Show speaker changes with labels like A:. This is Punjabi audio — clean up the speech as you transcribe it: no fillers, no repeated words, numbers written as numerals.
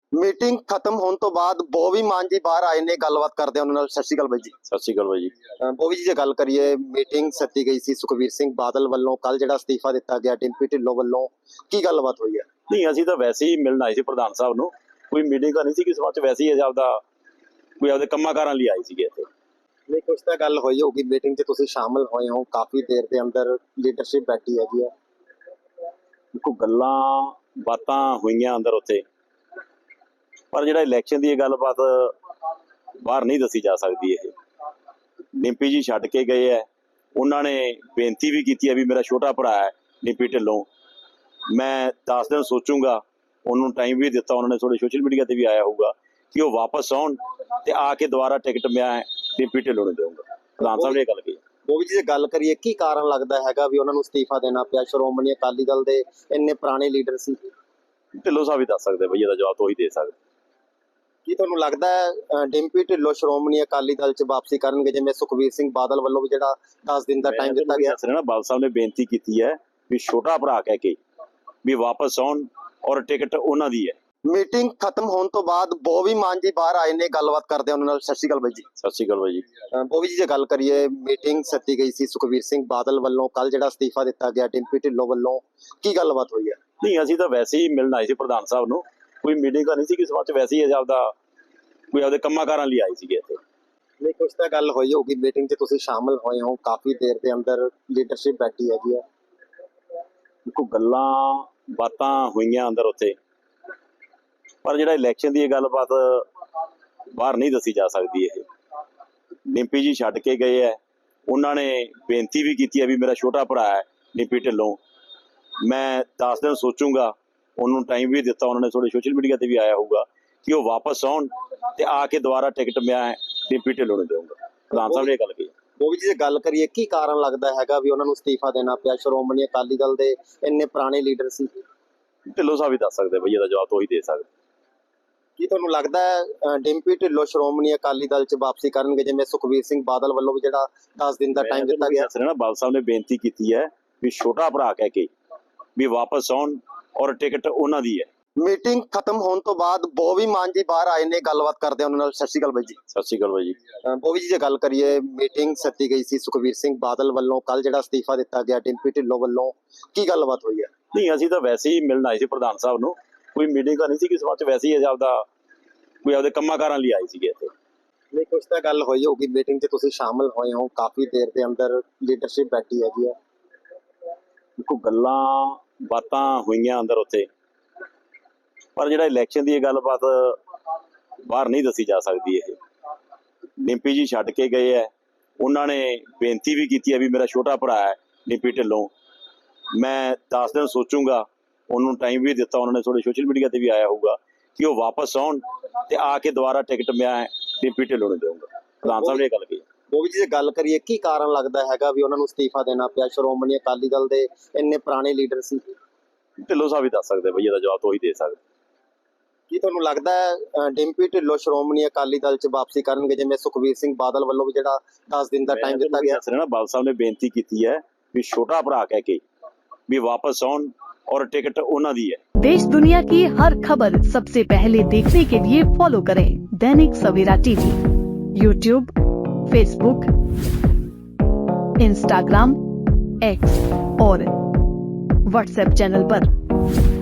A: ਮੀਟਿੰਗ ਖਤਮ ਹੋਣ ਤੋਂ ਬਾਅਦ ਬੋਵੀ ਮਾਨ ਜੀ ਬਾਹਰ ਆਏ ਨੇ, ਗੱਲਬਾਤ ਕਰਦੇ ਆ ਉਹਨਾਂ ਨਾਲ। ਸਤਿ ਸ਼੍ਰੀ ਅਕਾਲ ਬਾਈ ਜੀ।
B: ਸਤਿ ਸ਼੍ਰੀ ਅਕਾਲ ਬਾਈ ਜੀ।
A: ਬੋਵੀ ਜੀ, ਜੇ ਗੱਲ ਕਰੀਏ, ਮੀਟਿੰਗ ਸੱਦੀ ਗਈ ਸੀ ਸੁਖਬੀਰ ਸਿੰਘ ਬਾਦਲ ਵੱਲੋਂ, ਕੱਲ ਜਿਹੜਾ ਅਸਤੀਫਾ ਦਿੱਤਾ ਗਿਆ ਡਿੰਪੀ ਢਿੱਲੋਂ ਵੱਲੋਂ, ਕੀ ਗੱਲਬਾਤ ਹੋਈ ਹੈ?
B: ਨਹੀਂ, ਅਸੀਂ ਤਾਂ ਵੈਸੇ ਹੀ ਮਿਲਣ ਆਏ ਸੀ ਪ੍ਰਧਾਨ ਸਾਹਿਬ ਨੂੰ, ਕੋਈ ਮੀਟਿੰਗ ਤਾਂ ਨਹੀਂ ਸੀ ਕਿਸੇ ਵਾਸਤੇ, ਵੈਸੇ ਹੀ ਆਪਦੇ ਕੰਮਾਂ ਕਾਰਾਂ ਲਈ ਆਏ ਸੀਗੇ ਇੱਥੇ।
A: ਨਹੀਂ, ਕੁਛ ਤਾਂ ਗੱਲ ਹੋਈ ਹੋਊਗੀ, ਮੀਟਿੰਗ 'ਚ ਤੁਸੀਂ ਸ਼ਾਮਲ ਹੋਏ ਹੋ, ਕਾਫੀ ਦੇਰ ਦੇ ਅੰਦਰ ਲੀਡਰਸ਼ਿਪ ਬੈਠੀ ਹੈਗੀ ਹੈ,
B: ਕੋਈ ਗੱਲਾਂ ਬਾਤਾਂ ਹੋਈਆਂ ਅੰਦਰ ਉੱਥੇ, ਪਰ ਜਿਹੜਾ ਇਲੈਕਸ਼ਨ ਦੀ ਇਹ ਗੱਲਬਾਤ ਬਾਹਰ ਨਹੀਂ ਦੱਸੀ ਜਾ ਸਕਦੀ। ਇਹ ਡਿੰਪੀ ਜੀ ਛੱਡ ਕੇ ਗਏ ਹੈ, ਉਹਨਾਂ ਨੇ ਬੇਨਤੀ ਵੀ ਕੀਤੀ ਹੈ ਵੀ ਮੇਰਾ ਛੋਟਾ ਭਰਾ ਹੈ ਡਿੰਪੀ ਢਿੱਲੋਂ, ਮੈਂ 10 ਦਿਨ ਸੋਚੂੰਗਾ, ਉਹਨੂੰ ਟਾਈਮ ਵੀ ਦਿੱਤਾ, ਉਹਨਾਂ ਨੇ ਥੋੜੇ ਸੋਸ਼ਲ ਮੀਡੀਆ ਤੇ ਵੀ ਆਇਆ ਹੋਊਗਾ ਕਿ ਉਹ ਵਾਪਸ ਆਉਣ ਤੇ ਆ ਕੇ ਦੁਬਾਰਾ ਟਿਕਟ ਮੈਂ ਡਿੰਪੀ ਢਿੱਲੋਂ ਨੂੰ ਦੇਵਾਂਗਾ। ਪ੍ਰਧਾਨ ਸਾਹਿਬ ਨੇ ਇਹ ਗੱਲ ਕਹੀ।
A: ਬੋਵੀ ਜੀ, ਜੇ ਗੱਲ ਕਰੀਏ, ਕੀ ਕਾਰਨ ਲੱਗਦਾ ਹੈਗਾ ਵੀ ਉਹਨਾਂ ਨੂੰ ਅਸਤੀਫਾ ਦੇਣਾ ਪਿਆ? ਸ਼੍ਰੋਮਣੀ ਅਕਾਲੀ ਦਲ ਦੇ ਇੰਨੇ ਪੁਰਾਣੇ ਲੀਡਰ ਸੀ।
B: ਢਿੱਲੋਂ ਸਾਹਿਬ ਹੀ ਦੱਸ ਸਕਦੇ ਬਈ, ਇਹਦਾ ਜਵਾਬ ਤਾਂ ਉਹੀ ਦੇ ਸਕਦੇ।
A: ਕੀ ਤੁਹਾਨੂੰ ਲੱਗਦਾ ਹੈ ਡਿੰਪੀ ਢਿੱਲੋਂ ਸ਼੍ਰੋਮਣੀ ਅਕਾਲੀ ਦਲ 'ਚ ਵਾਪਸੀ ਕਰਨਗੇ, ਜਿਵੇਂ ਸੁਖਬੀਰ ਸਿੰਘ ਬਾਦਲ ਵੱਲੋਂ ਵੀ ਜਿਹੜਾ 10 ਦਿਨ ਦਾ ਟਾਈਮ ਦਿੱਤਾ ਗਿਆ?
B: ਨਾ, ਬਾਦਲ ਸਾਹਿਬ ਨੇ ਬੇਨਤੀ ਕੀਤੀ ਹੈ ਵੀ ਛੋਟਾ ਭਰਾ ਕਹਿ ਕੇ ਵੀ ਵਾਪਸ ਆਉਣ ਔਰ ਟਿਕਟ ਉਹਨਾਂ ਦੀ ਹੈ।
A: ਮੀਟਿੰਗ ਖਤਮ ਹੋਣ ਤੋਂ ਬਾਅਦ ਬੋਵੀ ਮਾਨ ਜੀ ਬਾਹਰ ਆਏ ਨੇ, ਗੱਲਬਾਤ ਕਰਦੇ ਆ ਉਹਨਾਂ ਨਾਲ। ਸਤਿ ਸ਼੍ਰੀ ਅਕਾਲ ਬਾਈ ਜੀ।
B: ਸਤਿ ਸ਼੍ਰੀ ਅਕਾਲ ਬਾਈ ਜੀ।
A: ਬੋਵੀ ਜੀ, ਜੇ ਗੱਲ ਕਰੀਏ, ਮੀਟਿੰਗ ਸੱਦੀ ਗਈ ਸੀ ਸੁਖਬੀਰ ਸਿੰਘ ਬਾਦਲ ਵੱਲੋਂ, ਕੱਲ ਜਿਹੜਾ ਅਸਤੀਫਾ ਦਿੱਤਾ ਗਿਆ ਡਿੰਪੀ ਢਿੱਲੋਂ ਵੱਲੋਂ, ਕੀ ਗੱਲਬਾਤ ਹੋਈ ਹੈ?
B: ਨਹੀਂ, ਅਸੀਂ ਤਾਂ ਵੈਸੇ ਹੀ ਮਿਲਣ ਆਏ ਸੀ ਪ੍ਰਧਾਨ ਸਾਹਿਬ ਨੂੰ, ਕੋਈ ਮੀਟਿੰਗ ਤਾਂ ਨਹੀਂ ਸੀ ਕਿਸੇ ਵਾਸਤੇ, ਵੈਸੇ ਹੀ ਆਪਦੇ ਕੰਮਾਂ ਕਾਰਾਂ ਲਈ ਆਏ ਸੀਗੇ ਇੱਥੇ।
A: ਨਹੀਂ, ਕੁਛ ਤਾਂ ਗੱਲ ਹੋਈ ਹੋਊਗੀ, ਮੀਟਿੰਗ 'ਚ ਤੁਸੀਂ ਸ਼ਾਮਲ ਹੋਏ ਹੋ, ਕਾਫੀ ਦੇਰ ਦੇ ਅੰਦਰ ਲੀਡਰਸ਼ਿਪ ਬੈਠੀ ਹੈਗੀ ਹੈ,
B: ਕੋਈ ਗੱਲਾਂ ਬਾਤਾਂ ਹੋਈਆਂ ਅੰਦਰ ਉੱਥੇ, ਪਰ ਜਿਹੜਾ ਇਲੈਕਸ਼ਨ ਦੀ ਇਹ ਗੱਲਬਾਤ ਬਾਹਰ ਨਹੀਂ ਦੱਸੀ ਜਾ ਸਕਦੀ। ਇਹ ਡਿੰਪੀ ਜੀ ਛੱਡ ਕੇ ਗਏ ਹੈ, ਉਹਨਾਂ ਨੇ ਬੇਨਤੀ ਵੀ ਕੀਤੀ ਹੈ ਵੀ ਮੇਰਾ ਛੋਟਾ ਭਰਾ ਹੈ ਡਿੰਪੀ ਢਿੱਲੋਂ, ਮੈਂ 10 ਦਿਨ ਸੋਚੂੰਗਾ, ਉਹਨੂੰ ਟਾਈਮ ਵੀ ਦਿੱਤਾ, ਉਹਨਾਂ ਨੇ ਥੋੜੇ ਸੋਸ਼ਲ ਮੀਡੀਆ ਤੇ ਵੀ ਆਇਆ ਹੋਊਗਾ ਕਿ ਉਹ ਵਾਪਸ ਆਉਣ ਤੇ ਆ ਕੇ ਦੁਬਾਰਾ ਟਿਕਟ ਮੈਂ ਡਿੰਪੀ ਢਿੱਲੋਂ ਨੂੰ ਦੇਵਾਂਗਾ। ਪ੍ਰਧਾਨ ਸਾਹਿਬ ਨੇ ਇਹ ਗੱਲ ਕਹੀ।
A: ਉਹ ਵੀ ਜੇ ਗੱਲ ਕਰੀਏ, ਕੀ ਕਾਰਨ ਲੱਗਦਾ ਹੈਗਾ ਵੀ ਉਹਨਾਂ ਨੂੰ ਅਸਤੀਫਾ ਦੇਣਾ ਪਿਆ? ਸ਼੍ਰੋਮਣੀ ਅਕਾਲੀ ਦਲ ਦੇ ਇੰਨੇ ਪੁਰਾਣੇ ਲੀਡਰ ਸੀ।
B: ਢਿੱਲੋਂ ਸਾਹਿਬ ਹੀ ਦੱਸ ਸਕਦੇ ਬਈ, ਇਹਦਾ ਜਵਾਬ ਤਾਂ ਉਹੀ ਦੇ ਸਕਦੇ।
A: ਕੀ ਤੁਹਾਨੂੰ ਲੱਗਦਾ ਹੈ ਡਿੰਪੀ ਢਿੱਲੋਂ ਸ਼੍ਰੋਮਣੀ ਅਕਾਲੀ ਦਲ 'ਚ ਵਾਪਸੀ ਕਰਨਗੇ, ਜਿਵੇਂ ਸੁਖਬੀਰ ਸਿੰਘ ਬਾਦਲ ਵੱਲੋਂ ਵੀ ਜਿਹੜਾ 10 ਦਿਨ ਦਾ ਟਾਈਮ ਦਿੱਤਾ ਗਿਆ?
B: ਨਾ, ਬਾਦਲ ਸਾਹਿਬ ਨੇ ਬੇਨਤੀ ਕੀਤੀ ਹੈ ਵੀ ਛੋਟਾ ਭਰਾ ਕਹਿ ਕੇ ਵੀ ਵਾਪਸ ਆਉਣ ਔਰ ਟਿਕਟ ਉਹਨਾਂ ਦੀ ਹੈ।
A: ਮੀਟਿੰਗ ਖਤਮ ਹੋਣ ਤੋਂ ਬਾਅਦ ਬੋਵੀ ਮਾਨ ਜੀ ਬਾਹਰ ਆਏ ਨੇ, ਗੱਲਬਾਤ ਕਰਦੇ ਆ ਉਹਨਾਂ ਨਾਲ। ਸਤਿ ਸ਼੍ਰੀ ਅਕਾਲ ਬਾਈ ਜੀ।
B: ਸਤਿ ਸ਼੍ਰੀ ਅਕਾਲ ਬਾਈ ਜੀ।
A: ਬੋਵੀ ਜੀ, ਜੇ ਗੱਲ ਕਰੀਏ, ਮੀਟਿੰਗ ਸੱਦੀ ਗਈ ਸੀ ਸੁਖਬੀਰ ਸਿੰਘ ਬਾਦਲ ਵੱਲੋਂ, ਕੱਲ ਜਿਹੜਾ ਅਸਤੀਫਾ ਦਿੱਤਾ ਗਿਆ ਡਿੰਪੀ ਢਿੱਲੋਂ ਵੱਲੋਂ, ਕੀ ਗੱਲਬਾਤ ਹੋਈ ਹੈ?
B: ਨਹੀਂ, ਅਸੀਂ ਤਾਂ ਵੈਸੇ ਹੀ ਮਿਲਣ ਆਏ ਸੀ ਪ੍ਰਧਾਨ ਸਾਹਿਬ ਨੂੰ, ਕੋਈ ਮੀਟਿੰਗ ਤਾਂ ਨਹੀਂ ਸੀ ਕਿਸੇ ਵਾਸਤੇ, ਵੈਸੇ ਹੀ ਆਪਦੇ ਕੰਮਾਂ ਕਾਰਾਂ ਲਈ ਆਏ ਸੀਗੇ ਇੱਥੇ।
A: ਨਹੀਂ, ਕੁਛ ਤਾਂ ਗੱਲ ਹੋਈ ਹੋਊਗੀ, ਮੀਟਿੰਗ 'ਚ ਤੁਸੀਂ ਸ਼ਾਮਲ ਹੋਏ ਹੋ, ਕਾਫੀ ਦੇਰ ਦੇ ਅੰਦਰ ਲੀਡਰਸ਼ਿਪ ਬੈਠੀ ਹੈਗੀ ਹੈ,
B: ਕੋਈ ਗੱਲਾਂ ਬਾਤਾਂ ਹੋਈਆਂ ਅੰਦਰ ਉੱਥੇ, ਪਰ ਜਿਹੜਾ ਇਲੈਕਸ਼ਨ ਦੀ ਇਹ ਗੱਲਬਾਤ ਬਾਹਰ ਨਹੀਂ ਦੱਸੀ ਜਾ ਸਕਦੀ। ਇਹ ਡਿੰਪੀ ਜੀ ਛੱਡ ਕੇ ਗਏ ਹੈ, ਉਹਨਾਂ ਨੇ ਬੇਨਤੀ ਵੀ ਕੀਤੀ ਹੈ ਵੀ ਮੇਰਾ ਛੋਟਾ ਭਰਾ ਹੈ ਡਿੰਪੀ ਢਿੱਲੋਂ, ਮੈਂ 10 ਦਿਨ ਸੋਚੂੰਗਾ, ਉਹਨੂੰ ਟਾਈਮ ਵੀ ਦਿੱਤਾ, ਉਹਨਾਂ ਨੇ ਥੋੜੇ ਸੋਸ਼ਲ ਮੀਡੀਆ ਤੇ ਵੀ ਆਇਆ ਹੋਊਗਾ ਕਿ ਉਹ ਵਾਪਸ ਆਉਣ ਤੇ ਆ ਕੇ ਦੁਬਾਰਾ ਟਿਕਟ ਮੈਂ ਡਿੰਪੀ ਢਿੱਲੋਂ ਨੂੰ ਦੇਵਾਂਗਾ। ਪ੍ਰਧਾਨ ਸਾਹਿਬ ਨੇ ਇਹ ਗੱਲ ਕਹੀ।
A: ਉਹ ਵੀ ਜੇ ਗੱਲ ਕਰੀਏ, ਕੀ ਕਾਰਨ ਲੱਗਦਾ ਹੈਗਾ ਵੀ ਉਹਨਾਂ ਨੂੰ ਅਸਤੀਫਾ ਦੇਣਾ ਪਿਆ? ਸ਼੍ਰੋਮਣੀ ਅਕਾਲੀ ਦਲ ਦੇ ਇੰਨੇ ਪੁਰਾਣੇ ਲੀਡਰ ਸੀ।
B: ਢਿੱਲੋਂ ਸਾਹਿਬ ਹੀ ਦੱਸ ਸਕਦੇ ਬਈ, ਇਹਦਾ ਜਵਾਬ ਤਾਂ ਉਹੀ ਦੇ ਸਕਦੇ।
A: ਕੀ ਤੁਹਾਨੂੰ ਲੱਗਦਾ ਹੈ ਡਿੰਪੀ ਢਿੱਲੋਂ ਸ਼੍ਰੋਮਣੀ ਅਕਾਲੀ ਦਲ 'ਚ ਵਾਪਸੀ ਕਰਨਗੇ, ਜਿਵੇਂ ਸੁਖਬੀਰ ਸਿੰਘ ਬਾਦਲ ਵੱਲੋਂ ਵੀ ਜਿਹੜਾ 10 ਦਿਨ ਦਾ ਟਾਈਮ ਦਿੱਤਾ ਗਿਆ?
B: ਨਾ, ਬਾਦਲ ਸਾਹਿਬ ਨੇ ਬੇਨਤੀ ਕੀਤੀ ਹੈ ਵੀ ਛੋਟਾ ਭਰਾ ਕਹਿ ਕੇ ਵੀ ਵਾਪਸ ਆਉਣ और टिकट उन्हां दी है।
C: देश दुनिया की हर खबर सबसे पहले देखने के लिए फॉलो करें Dainik Savera TV, YouTube, Facebook, Instagram, X और व्हाट्सएप चैनल पर।